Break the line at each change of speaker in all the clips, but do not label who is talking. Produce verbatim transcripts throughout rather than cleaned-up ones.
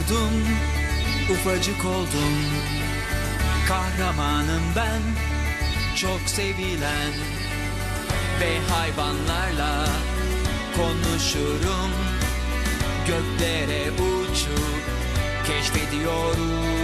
oldum, ufacık oldum. Kahramanım ben, çok sevilen. Ve hayvanlarla konuşurum. Göklere uçup keşfediyorum.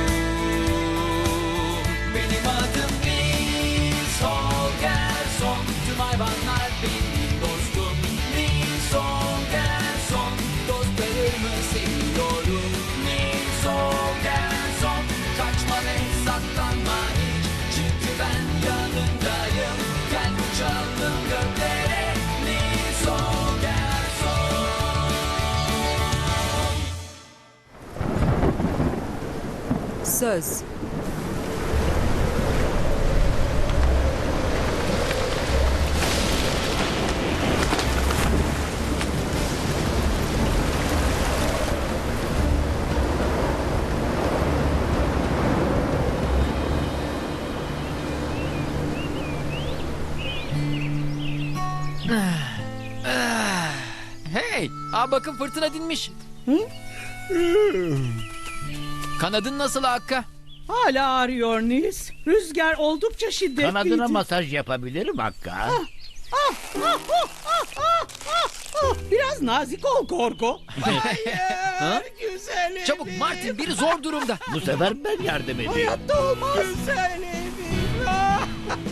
Benim adım Nils Holgersson. Tüm hayvanlar benim dostum. Nils Holgersson. Dostlarımı seviyorum. Nils Holgersson. Kaçma ve saklanma hiç. Çünkü ben yanındayım. Gel uçalım göklere. Nils Holgersson.
Söz.
Hey, aa bakın fırtına dinmiş. Kanadın nasıl Hakka?
Hala ağrıyor Nils. Rüzgar oldukça şiddetliydi.
Kanadına masaj yapabilirim Hakka.
Ah, ah, ah, ah, ah, ah. Biraz nazik ol Gorgo. Hayır, güzelim.
Çabuk Martin, biri zor durumda.
Bu sefer ben yardım edeyim.
Hayatta olmaz. Güzelim. Ah.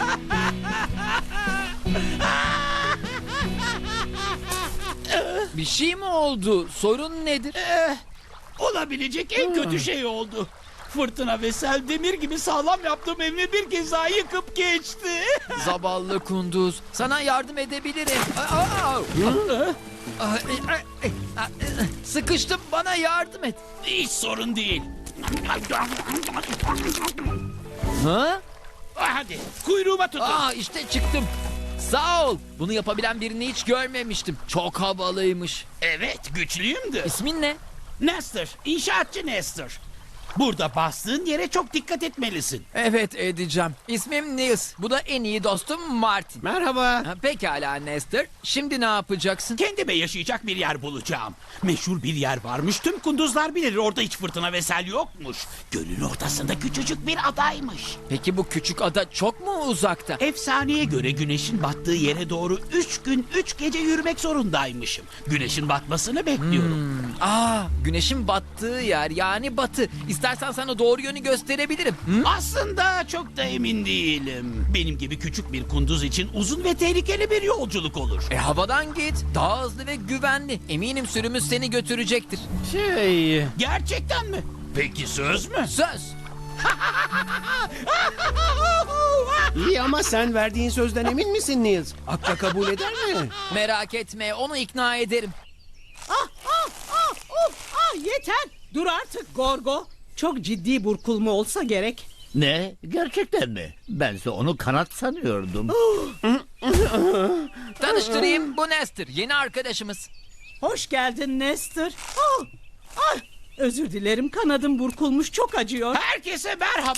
Bir şey mi oldu? Sorun nedir?
Eh, olabilecek en kötü şey oldu. Fırtına ve sel demir gibi sağlam yaptığım evimi bir kez daha yıkıp geçti.
Zavallı kunduz. Sana yardım edebilirim. Aa, aa. Aa, e, e, e, Sıkıştım, bana yardım et.
Hiç sorun değil.
Ha?
Hadi kuyruğuma tutun.
Aa, işte çıktım. Sağ ol. Bunu yapabilen birini hiç görmemiştim. Çok havalıymış.
Evet, güçlüyümdür.
İsmin ne?
Nestor, inşaatçı Nestor. Burada bastığın yere çok dikkat etmelisin.
Evet, edeceğim. İsmim Nils. Bu da en iyi dostum Martin.
Merhaba.
Ha, pekala Nestor. Şimdi ne yapacaksın?
Kendime yaşayacak bir yer bulacağım. Meşhur bir yer varmış. Tüm kunduzlar bilir. Orada hiç fırtına ve sel yokmuş. Gölün ortasında küçücük bir adaymış.
Peki bu küçük ada çok mu uzakta?
Efsaneye göre güneşin battığı yere doğru üç gün üç gece yürümek zorundaymışım. Güneşin batmasını bekliyorum.
Aa, güneşin battığı yer, yani batı. İstersen sana doğru yönü gösterebilirim. Hı?
Aslında çok da emin değilim. Benim gibi küçük bir kunduz için uzun ve tehlikeli bir yolculuk olur.
E havadan git. Daha hızlı ve güvenli. Eminim sürümüz seni götürecektir.
Şey... Gerçekten mi? Peki söz mü?
Söz.
İyi ama sen verdiğin sözden emin misin Nils? Akka kabul eder mi?
Merak etme, onu ikna ederim.
Ah, ah, ah, of, ah, yeter. Dur artık Gorgo. Çok ciddi burkulma olsa gerek.
Ne? Gerçekten mi? Bense onu kanat sanıyordum.
Tanıştırayım, bu Nestor. Yeni arkadaşımız.
Hoş geldin Nestor. Ah, ah, özür dilerim, kanadım burkulmuş, çok acıyor.
Herkese merhaba.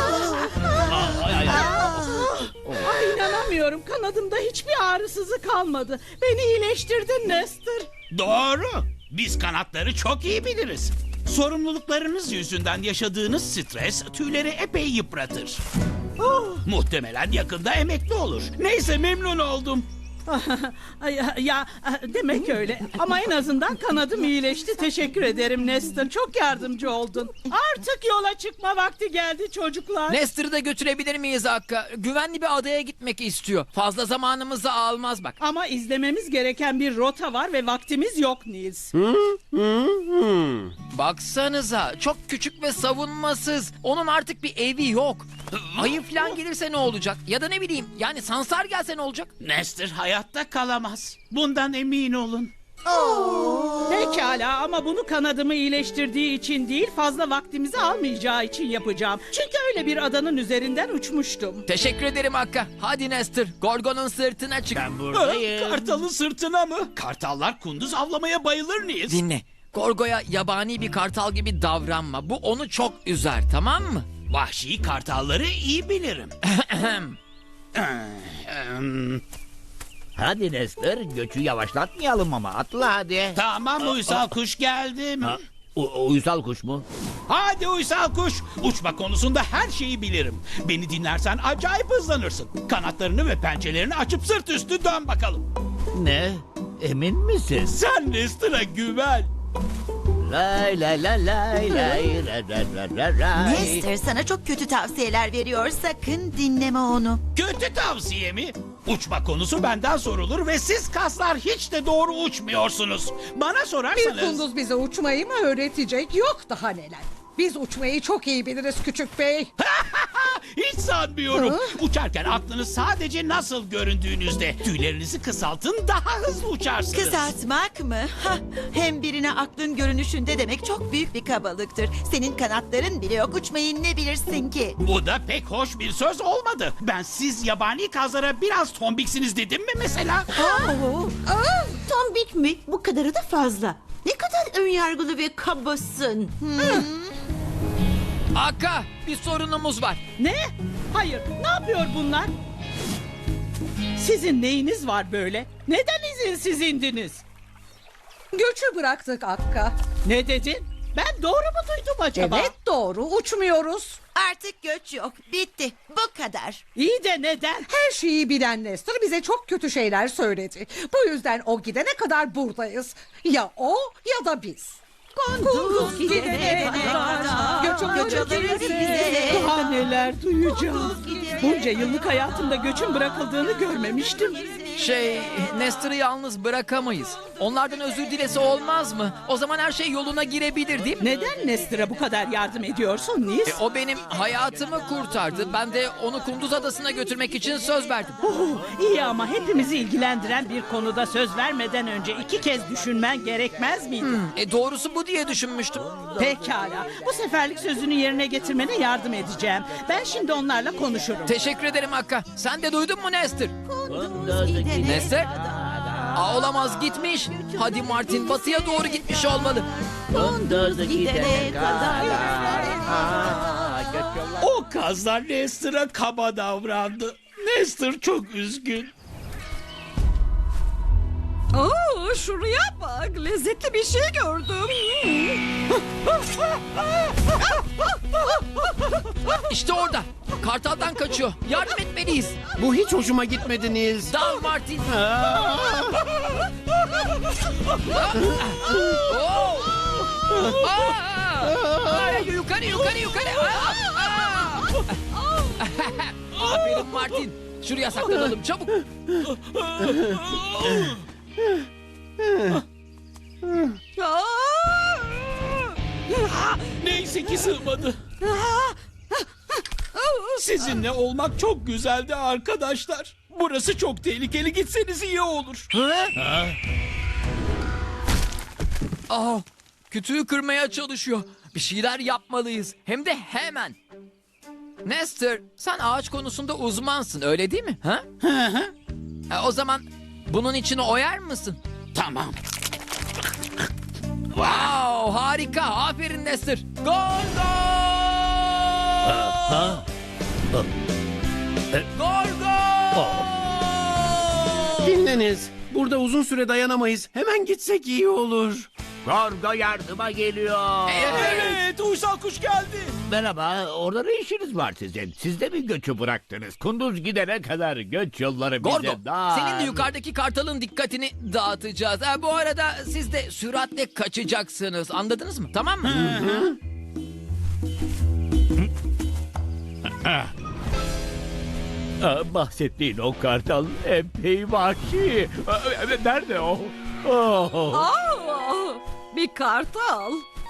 Ay, inanamıyorum, kanadımda hiçbir ağrısızı kalmadı. Beni iyileştirdin Nestor.
Doğru. Biz kanatları çok iyi biliriz. Sorumluluklarınız yüzünden yaşadığınız stres tüyleri epey yıpratır.
Oh.
Muhtemelen yakında emekli olur. Neyse, memnun oldum.
Ay, ya, ya demek öyle. Ama en azından kanadım iyileşti. Teşekkür ederim Nestor. Çok yardımcı oldun. Artık yola çıkma vakti geldi çocuklar.
Nestor'ı da götürebilir miyiz Hakka? Güvenli bir adaya gitmek istiyor. Fazla zamanımızı almaz bak.
Ama izlememiz gereken bir rota var ve vaktimiz yok Nils.
Baksanıza, çok küçük ve savunmasız. Onun artık bir evi yok. Ayı falan gelirse ne olacak? Ya da ne bileyim, yani sansar gelse ne olacak?
Nestor hayatta kalamaz. Bundan emin olun.
Pekala, ama bunu kanadımı iyileştirdiği için değil, fazla vaktimizi almayacağı için yapacağım. Çünkü öyle bir adanın üzerinden uçmuştum.
Teşekkür ederim Hakka. Hadi Nestor, Gorgon'un sırtına çık.
Ben buradayım.
Kartalın sırtına mı? Kartallar kunduz avlamaya bayılır Nils.
Dinle. Gorgo'ya yabani bir kartal gibi davranma. Bu onu çok üzer, tamam mı?
Vahşi kartalları iyi bilirim.
Hadi Nestor, göçü yavaşlatmayalım ama atla hadi.
Tamam, uysal kuş geldim.
Ha? U- uysal kuş mu?
Hadi uysal kuş. Uçma konusunda her şeyi bilirim. Beni dinlersen acayip hızlanırsın. Kanatlarını ve pençelerini açıp sırt üstü dön bakalım.
Ne? Emin misin?
Sen Nestor'a güven.
Lay lay lay lay lay ra ra ra ra ray.
Nestor sana çok kötü tavsiyeler veriyor. Sakın dinleme onu.
Kötü tavsiye mi? Uçma konusu benden sorulur ve siz kaslar hiç de doğru uçmuyorsunuz. Bana
Bir
sorarsanız...
kunduz bize uçmayı mı öğretecek? Yok daha neler. Biz uçmayı çok iyi biliriz küçük bey.
Hiç sanmıyorum. Uçarken aklınız sadece nasıl göründüğünüzde. Tüylerinizi kısaltın, daha hızlı uçarsınız.
Kısaltmak mı? Hah, hem birine aklın görünüşünde demek çok büyük bir kabalıktır. Senin kanatların bile yok, uçmayı ne bilirsin ki?
Bu da pek hoş bir söz olmadı. Ben siz yabani kazlara biraz tombiksiniz dedim mi mesela?
Tombik mi? Bu kadarı da fazla. Ne kadar önyargılı ve kabasın.
Akka, bir sorunumuz var.
Ne? Hayır, ne yapıyor bunlar? Sizin neyiniz var böyle? Neden izinsiz indiniz?
Göçü bıraktık Akka.
Ne dedin? Ben doğru mu duydum acaba?
Evet doğru uçmuyoruz.
Artık göç yok, bitti. Bu kadar.
İyi de neden?
Her şeyi bilen Nestor bize çok kötü şeyler söyledi. Bu yüzden o gidene kadar buradayız. Ya o ya da biz. Kunduz gidene kadar. Göç
Göç
alırız
alırız
bize.
bize.
Daha neler duyacağız. Bunca yıllık hayatımda göçün bırakıldığını görmemiştim.
Şey, Nestor'ı yalnız bırakamayız. Onlardan özür dilese olmaz mı? O zaman her şey yoluna girebilir değil mi?
Neden Nestor'a bu kadar yardım ediyorsun Nils?
E, o benim hayatımı kurtardı. Ben de onu Kunduz Adası'na götürmek için söz verdim.
Oh, iyi ama hepimizi ilgilendiren bir konuda söz vermeden önce iki kez düşünmen gerekmez miydi?
E, doğrusu bu diye düşünmüştüm.
Pekala. Bu seferlik sözünü yerine getirmene yardım edeceğim. Ben şimdi onlarla konuşurum.
Teşekkür ederim Akka. Sen de duydun mu Nestor?
Kunduz gidene
Nestor?
kadar.
Aa, olamaz gitmiş. Hadi Martin batıya doğru gitmiş olmalı.
Kunduz gidene kadar. Aa, göç yolları-
O kazlar Nestor'a kaba davrandı. Nestor çok üzgün.
Oo, şuraya bak lezzetli bir şey gördüm.
İşte orada. Kartaldan kaçıyor. Yardım etmeliyiz.
Bu hiç hoşuma gitmedi Nils.
Dal Martin. Oo! Aa! Ay, yukarı yukarı yukarı. Aa! Aa! Aferin Martin. Şuraya saklanalım çabuk.
Neyse ki sığmadı. Sizinle olmak çok güzeldi arkadaşlar. Burası çok tehlikeli, gitseniz iyi olur.
Ha? Aa, kütüğü kırmaya çalışıyor. Bir şeyler yapmalıyız. Hem de hemen. Nestor, sen ağaç konusunda uzmansın, öyle değil mi? Ha? E, o zaman bunun içine oyar mısın?
Tamam.
Wow, harika. Aferin Nestor. Gol gol!
Ha?
Gol gol!
Dinleniz. Burada uzun süre dayanamayız. Hemen gitsek iyi olur.
Gorgo yardıma geliyor.
Evet, uysal kuş geldi.
Merhaba, orada ne işiniz var sizin? Siz de mi göçü bıraktınız? Kunduz gidene kadar göç yolları bize
Gorgo,
dar.
senin de yukarıdaki kartalın dikkatini dağıtacağız. Ha, bu arada siz de süratle kaçacaksınız. Anladınız mı? Tamam mı?
Aa, bahsettiğin o kartal epey vahşi. Aa, nerede o? Oh.
Aa, bir kartal.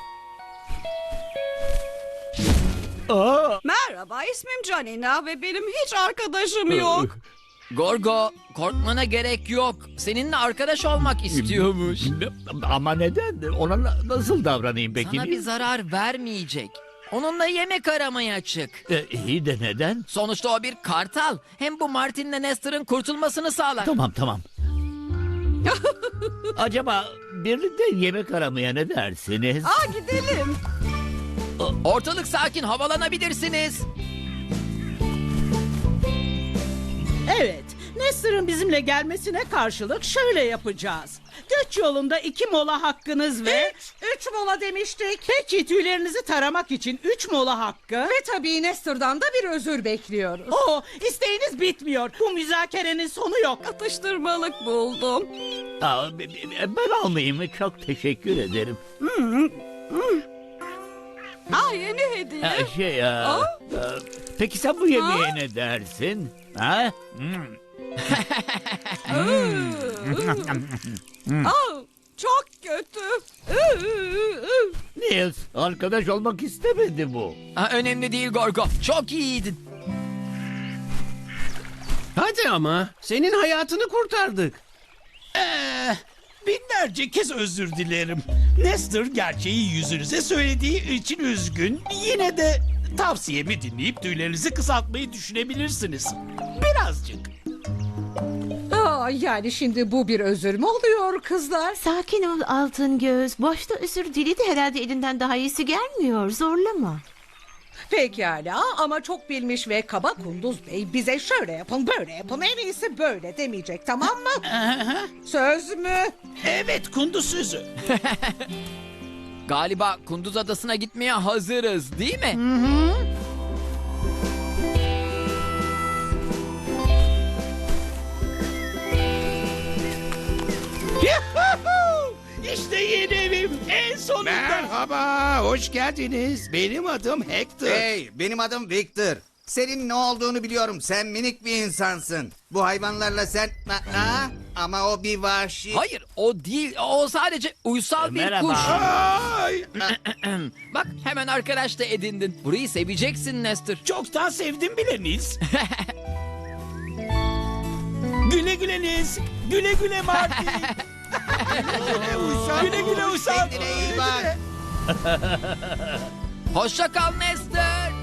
Aa.
Merhaba ismim Canina ve benim hiç arkadaşım yok.
Gorgo, korkmana gerek yok. Seninle arkadaş olmak istiyormuş.
Ama neden? Ona na- nasıl davranayım peki?
Sana bir zarar vermeyecek. Onunla yemek aramaya çık.
Ee, iyi de neden?
Sonuçta o bir kartal. Hem bu Martin'le Nestor'ın kurtulmasını sağlar.
Tamam tamam. Acaba birlikte yemek aramaya ne dersiniz?
Aa gidelim.
Ortalık sakin, havalanabilirsiniz.
Evet, Nestor'un bizimle gelmesine karşılık şöyle yapacağız. Göç yolunda iki mola hakkınız ve...
Üç, üç mola demiştik.
Peki tüylerinizi taramak için üç mola hakkı.
Ve tabii Nestor'dan da bir özür bekliyoruz.
Oo, isteğiniz bitmiyor. Bu müzakerenin sonu yok.
Atıştırmalık buldum.
Aa, b- b- ben almayayım mı? Çok teşekkür ederim.
Aa, yeni hediye.
Ha, şey ya. e, Peki sen bu yemeğe ne dersin? Ha? Hmm.
Aa, çok kötü.
Niels, arkadaş olmak istemedi bu.
Ha, önemli değil Gorgo. Çok iyiydin.
Hadi ama senin hayatını kurtardık.
Ee, binlerce kez özür dilerim. Nestor gerçeği yüzünüze söylediği için üzgün. Yine de tavsiyemi dinleyip tüylerinizi kısaltmayı düşünebilirsiniz. Birazcık.
Aa, yani şimdi bu bir özür mü oluyor kızlar?
Sakin ol Altın Göz. Boşta özür diledi, herhalde elinden daha iyisi gelmiyor. Zorlama.
Pekala ama çok bilmiş ve kaba Kunduz Bey bize şöyle yapın böyle yapın en iyisi böyle demeyecek, tamam mı? Söz mü?
Evet, kunduz sözü.
Galiba Kunduz Adası'na gitmeye hazırız değil mi?
Yuhuhu! İşte yeni evim en sonunda.
Merhaba, hoş geldiniz. Benim adım Hector.
Hey, benim adım Victor. Senin ne olduğunu biliyorum. Sen minik bir insansın. Bu hayvanlarla sen... Ha? Ama o bir vahşi.
Hayır, o değil. O sadece uysal bir
Merhaba.
kuş.
Ay,
Bak, hemen arkadaş da edindin. Burayı seveceksin Nestor.
Çoktan sevdim bile Nils. Güle güle Nils. Güle güle Marty. Güle güle Uysal.
Kendine iyi bak.
Hoşça kal Nestor.